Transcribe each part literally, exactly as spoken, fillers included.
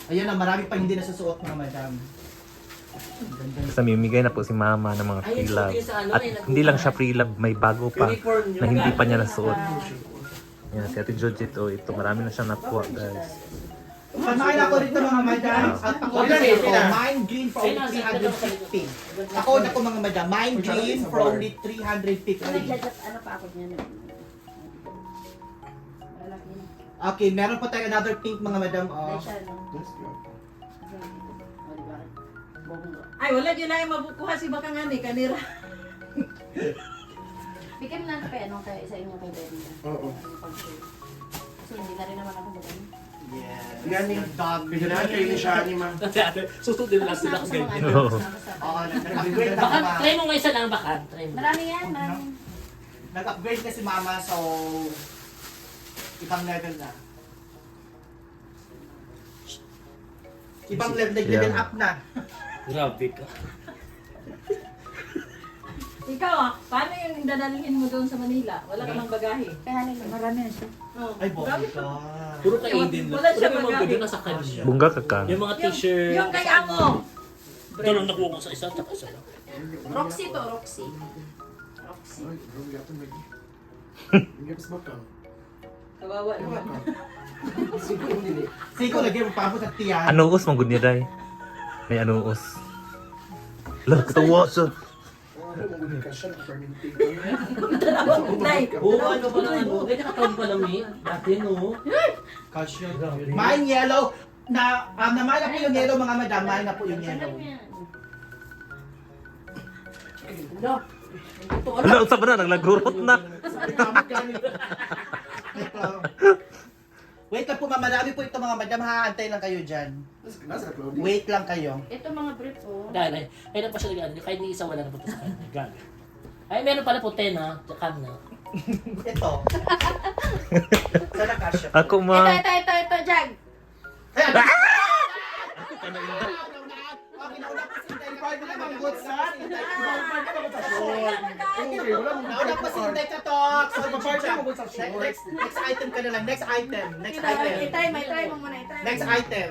Ayan na, marami pa hindi nasusuot mga madam. Basta mimigay na po si mama ng mga free love. At hindi lang siya free love, may bago pa na hindi pa niya nasuot. Yan, si Ate Georgette, oh, ito marami na siyang nakuha, guys. Panakin ako rito mga madam. At ako rin ako, Mind Green for only three hundred fifty. Ako na ko mga madam, Mind Green for only three hundred fifty. Ano pa ako niyan? Okay, meron pa tayo another pink mga madam. Oh. Ay, wala dyan na yung mabukuha si Bakang Ani, kanira. Bigyan mo lang kay ano kay sa inyo kay Brenda. Oo. Kasi hindi na rin naman ako magaling. Yes. Yan eh. Dog. Kaya kayo ni siya ni ma. Kasi ate, susundin lang sila Tapos kasi na ako sa ganyan. mga Oo. ano, tapos na Oo, ako sa- nag-upgrade na Baka, mama. try mo nga isa lang baka. Try mo. Marami yan, marami. Nag-upgrade na si mama, so ibang level na. Ibang level, nag-level Yeah. up na. Grabe ka. Ikaw ah, paano yung dadalhin mo doon sa Manila? Wala ka mang bagahe. Kaya hanin, marami na siya. Oh, Ay, bobo grabe. ka. Puro kay Aiden lang. Wala siya Puro yung mga magagamit. video nasa kanya. Bungga ka ka. Yung mga Yung, t-shirt. yung kay Amo. Ito lang nakuha ko sa isa, tsaka isa lang. Roxy to, Roxy. Roxy. Ay, bro, gato lagi. Hindi pa bakal. Kawawa naman. Siguro hindi. Siko, lagyan mo pa sa tiyan. Anuos, manggod niya, day. May anuos. Lah, katawa siya. Ano mo hindi ka siya fermenting. Nay, Oo, ano pa lang ano. Ganyan katawag pa lang eh. Dati no. Calcium. Mine yellow. Na, um, naman na po yung yellow mga madam. Mine na po yung Alam yellow. yan. Wala, usap na, naglagurot na. Wait lang po, madami po ito mga madam. Ha, antay lang kayo dyan. Nasa Claudia. Wait lang kayo. Ito mga brief oh. Dahil ay, ay na pa siya nag kahit ni isa wala na po sa kanya. Grabe. Ay, meron pala po ten ha. Tsaka na. Ito. Sana kasya. Ako, Ito, ma. ito, ito, ito, Jag. Ay, ano? Okay, nauna po si Inday. Ikaw na mga goods, ha? Inday ka. Okay, wala mo. Nauna po si Inday ka, Tok. So, next, next, next item ka na lang. Next item. Next item. I-try mo, i-try mo muna, i-try mo. Next item.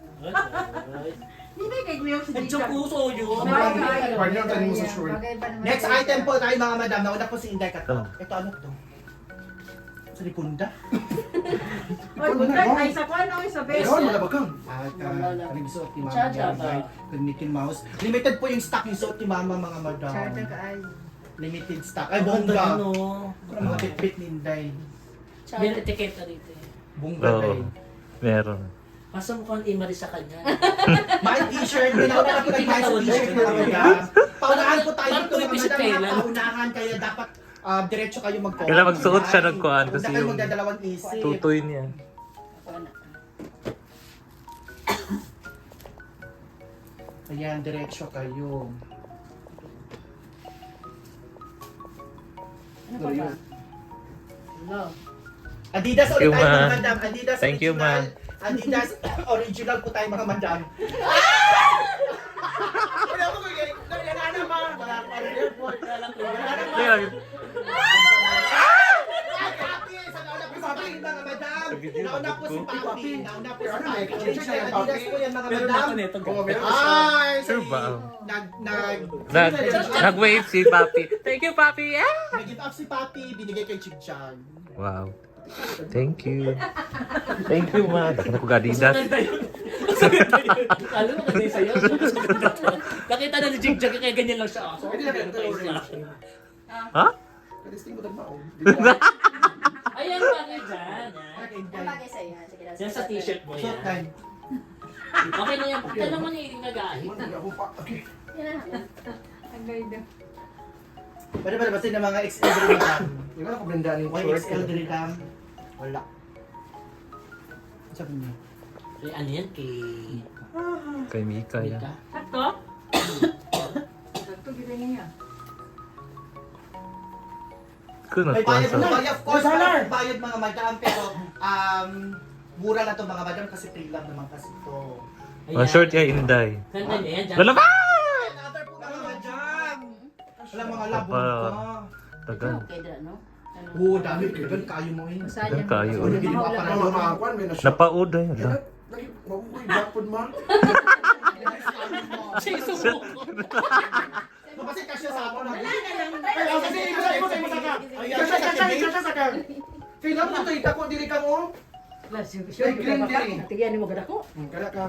hindi kay Gwiyo si Medyo Jika. puso yun. Pwede na tayo mo sa short. Next item po tayo mga madam. Nauna po si Inday ka, Tok. Ito ano to? Sa Ripunda? Oy, bunday, ay sa kwano, ay sa best. Ayun, wala ba kang? Ah, ka. Ano yung suot ni Mama? Chacha ba? Right? Kung Mickey Mouse. Limited po yung stock yung suot ni Mama mga madam. Charter ka ay. Limited stock. Ay, Ganda bongga. no. Ano mga bit-bit ni Inday? Meron etiketa dito eh. Bongga Oo, day. meron. Masa mukhang imari sa kanya. My t-shirt, nauna na po tayo sa t-shirt mga madam. Paunahan po tayo dito mga madam. ha? Paunahan kaya dapat ah, diretso kayo mag-comment. Kailangan magsuot siya ng kuhaan Huwag kasi na kayo yung magdadalawang isip. tutoy niya. Ayan, diretso kayo. Ano pa ba? Hello. Adidas Thank you, ulit tayo ma. mga madam. Adidas Thank you, ma. original. Adidas original po tayo mga madam. Wala ko kaya. Wala na ma. Wala pa rin airport. Wala na ma. Kaya, Ay, Papi! Sa nauna po si Papi, mga madam. Nauna po si Papi. Nauna po si Papi. Original Adidas po yan mga Meron na madam. ako nito. Ay, Sure ba? Nag, nag, nag, nag-wave si Papi. Thank you, Papi. Ah! nag-give up si Papi, binigay kay Chigchag. Wow. Thank you. Thank you, ma. Dako na ko Adidas. Alam mo kasi sa'yo. Mas maganda to. Nakita na ni Jig Jig kaya ganyan lang siya. So, Pwede na meron pa tayo isa. Ha? Kadisting mo tayo maong. Ayan pa rin dyan. yan. Ang bagay sa'yo. Sige, that's Yan sa it. t-shirt mo Short yan. time. Okay na yan. Pakita naman eh, nagahit. Hindi ako pa. Okay. Yan na. Ang ganda. Pwede ba nabasin ng mga X L din lang? Yung ako blenda ni Why X L din lang? Wala. Sabi niya. Eh, ano yan kay... Kay Mika yan. Mika? Sakto? Sakto, gila niya. Kung May nakuha bayad sa... mo ba? Of course, may bayad mga madam, pero um, mura na to mga madam kasi free lang naman kasi to. Ang short ya, Inday. Ganda niya yan. dyan. Wala ba? Another po mga madam! Wala mga labong Apa? ka. Tagal. Okay, dra, no? Oo, dami. Ganun kayo mo eh. Tagal kayo. Ano ginawa pa Ano na mga kwan, may na-short. Napaod ay. Ala. Lagi, mabuhay, bakod ma. Siya sumuko. Mapasit ka siya sa ako na. Wala na lang. Ay, ako kasi, ikasay mo sa imo saka. Ikasay, ikasay, ikasay saka. Kailan mo tayo, dako diri ka mo. Ay, green diri. Tigyan mo gada ko. Hmm, Kada ka.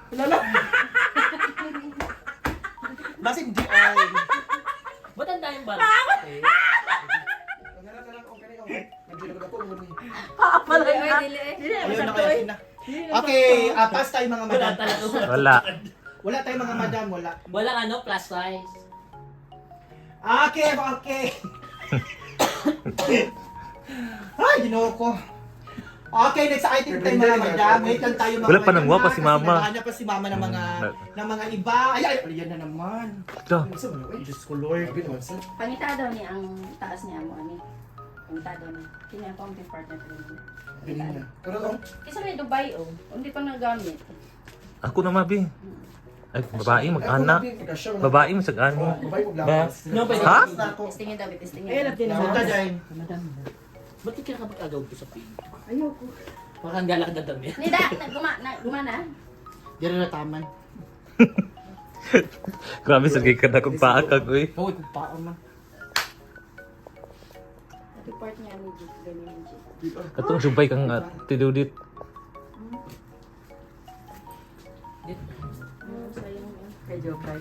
Basit di ay. Ba't ang dahil ba? Ngara na lang, okay na yun. Medyo na dako mo ni. Dili, oy, dili. Dili, Ayun na masakto kaya eh. na. Okay, ah, pass tayo mga Wala madam. talaga. Wala. Wala tayong mga madam, wala. Walang ano, plus size. Okay, okay. Ay, ginoo ko. Okay, next item tayo mga madam. Wait lang tayo mga Wala pa madam, nang wa pa ha, si kasi mama. naghahanap pa si mama ng mga Hmm. ng mga iba. Ay, ay, ay, yan na naman. Ito. Isa mo na, uy. Diyos ko, Lord. Sabi naman, sir. Pangita daw niya ang taas niya mo ani. Pangita daw niya. Kini ang counting partner ko niya. Bilhin na. Pero oh, Kasi may Dubai oh. Hindi pa nagamit. Ako na mabi. Ay, babae mag-ana. Babae. Babae mo sag-ani. Babae mo Ba? No, pwede. Ha? Testingin daw, testingin. Ayun, natin Punta dyan. Ba't di ka nakapag-agaw ko sa pin? Ayoko. Parang galak na dami. Nida, naguma, na, gumana. Diyan na taman. Grabe sa kay kada kong paakag, uy. Hoy, kung paon man. Report niya ni Jit, ganyan ni Jit. Katong subay kang uh, tidudit. Ano sayang yun? Kay Jokay.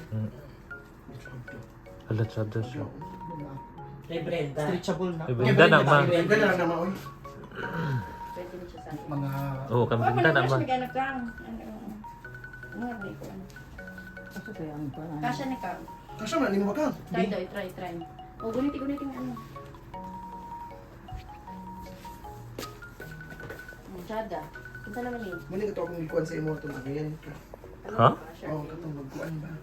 Hala, tsada siya. Kay Brenda. Stretchable na. Ay, Brenda na, ma. Ganda lang naman, uy. Pwede na siya sa akin. Mga... Oo, Oh, kambinda managawa naman. siya naghanap lang. Ano, ano, ano, ko ano. Kasi kaya ang parang. Kasya ni Kang. Kasya man, hindi mo makang. Try daw, try, try. O, guniti, guniti nga ano. Ang Chada. Punta naman eh. Muna ka to akong ikuan sa imo ito na ganyan. Ano, Ha? kasya? Oo, katong magkuan ba?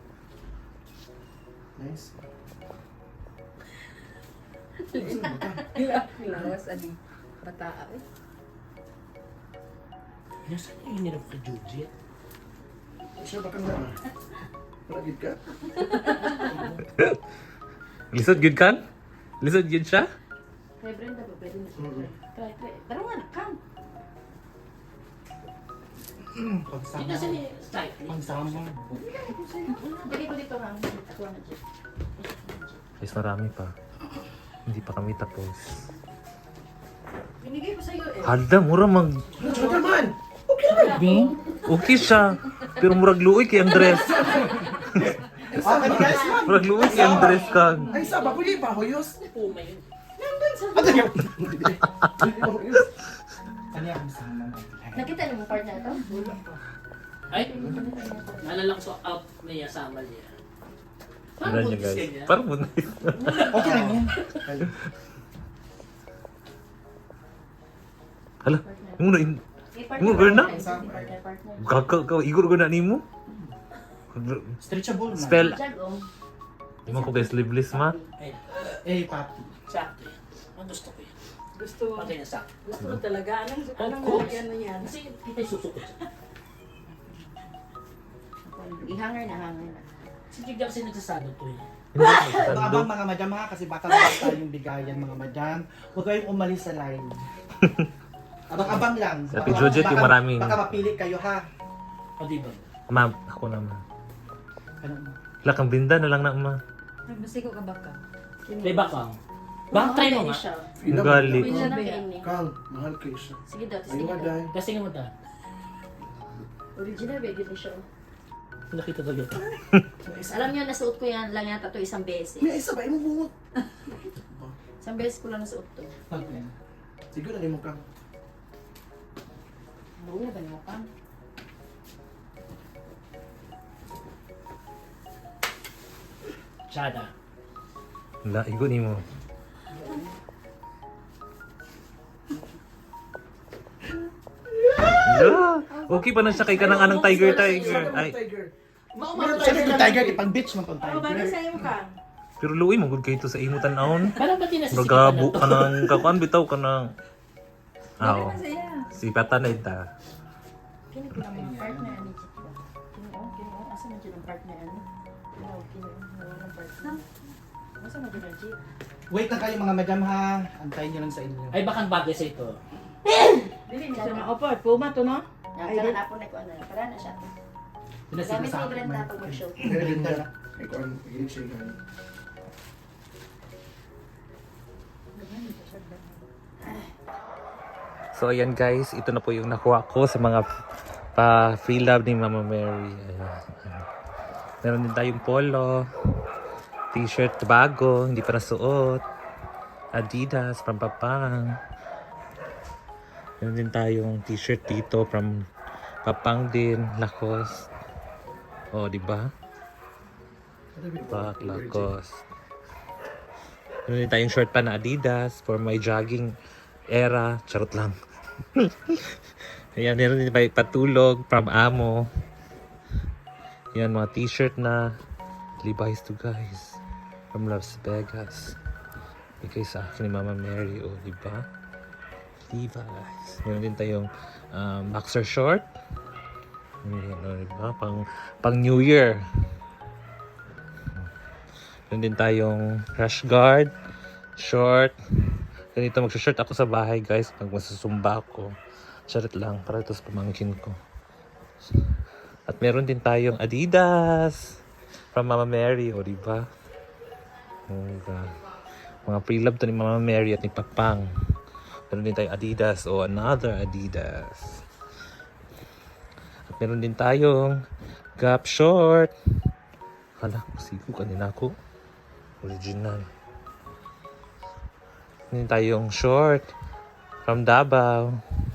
Nice. Lawas ani. Bata eh. Nasaan yung hinirap ka, Jujit? Siya baka nga. Paragid ka. Lisod gyud kan? Lisod gyud siya? Kay Brenda ba? Pwede na siya. Mm. Try, try. Pero nga, Kang. Hindi kasi ni cycling. Pangsama. Dali ko dito, Kang. Ako na, Jit. Guys, marami pa. Hindi pa kami tapos. Binigay ko sa'yo eh. Halda, mura mag... Tsaka man! Okay siya. Pero murag luoy kay ang dress. Okay, guys, man. Murag luoy kay ang dress kang. Ay, saba, pwede pa, hoyos. Puma yun. Ano yun? Ano yung kasama? Nakita niyo mo part na ito? Ay, naalala ko sa out niya sa amal niya. Tignan niyo guys. Parang buntis. Okay lang yan. Hala, mo na in... Eh, partner, Mo, Brenda? partner, partner, partner. Kaka, ka, igor ko na nimo. Stretchable na. Spell. Jag, oh. Di mo ko guys, libless ma. Ay, Eh, papi. sakto yan. Ang gusto ko yan. Gusto mo. Pagkaya sakto. Gusto mo talaga. Anong anong course. nalagyan mo yan? Kasi kita susukot siya. I-hanger na, hanger na. Si Jigga kasi nagsasado to eh. Hindi ko Abang magsasando. mga madam ha, kasi baka baka tayong bigayan mga madam. Huwag kayong umalis sa line. Abang-abang lang. Sa Ate Judith, yung maraming- Baka mapili kayo ha. O di ba? Ma'am, ako naman. Ano? Wala kang binda na lang na ma. Nagbasiko ka ba ka? Di ba ka? Baka try mo nga. siya. Ang gali. Pwede na kainin. Kang, mahal kayo siya. Sige daw, Ayun testingin nga, daw. dahil. Kasi nga mo ta. Original, bagay din siya. Nakita talaga ito. Alam niyo, nasuot ko yan lang yata to isang beses. May isa ba, imo bungot. Isang beses ko lang nasuot to. Okay. Siguro na mo kang. Buo na ba niyo ka? Chada. Wala, igo ni mo. Yeah. Okay pa na siya kay kanang anang tiger tiger. Ay, Tiger. Siyempre yung tiger, ipang bitch mo pang Ano ba tiger. sa'yo ka? pero luoy mo gud kay to sa imo tan-awon. Parang ba't din nasisipan Magabo na ka nang kakuan bitaw ka nang. Aw. Masaya. Si pata na ita. Kini ko lang mga partner ni Jit ba? Kini oh, kini oh. Asa man dyan ang partner ano? Kini oh, kini oh. Wala ng partner. Asa man dyan ang Jit? Wait lang kayo mga madam ha. Antayin nyo lang sa inyo. Ay, bakang bagay sa ito. Dili niya siya ma-offer. Puma to no? Yan, kanan ako na ko ano. Para na siya. Gamit ni Brenda pag mag-show. Ganda. Ay, kung ano, ilig siya ganun. So ayan guys, ito na po yung nakuha ko sa mga pa free love ni Mama Mary. Ayan. Meron din tayong polo, t-shirt bago, hindi pa nasuot, Adidas from Papang. Meron din tayong t-shirt dito from Papang din, Lacoste. Oh, di ba? Pak, Lacoste. Meron din tayong short pa na Adidas for my jogging era. Charot lang. Ayan, meron din pa patulog from Amo. Yan, mga t-shirt na Levi's to guys from Las Vegas. Bigay sa akin ni Mama Mary, oh, di ba? Levi's. Meron din tayong um, boxer short. Yan, oh, di ba? Pang, pang New Year. Meron din tayong rash guard short. Ganito mag-short ako sa bahay guys pag masusumba ako. Charot lang para ito sa pamangkin ko. At meron din tayong Adidas from Mama Mary, o diba? Oh, God. Mga pre-love to ni Mama Mary at ni Papang. Meron din tayong Adidas o another Adidas. At meron din tayong Gap short. Hala, sigo kanina ako. Original. Meron din tayong short from Davao.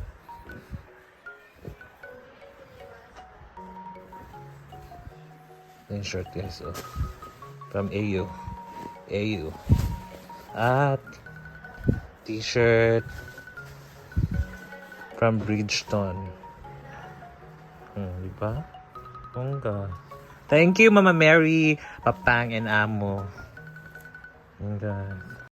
Yung short guys, oh. From A U. A U. At t-shirt from Bridgestone. Hmm, di ba? Bongga. Thank you, Mama Mary, Papang, and Amo. Bongga.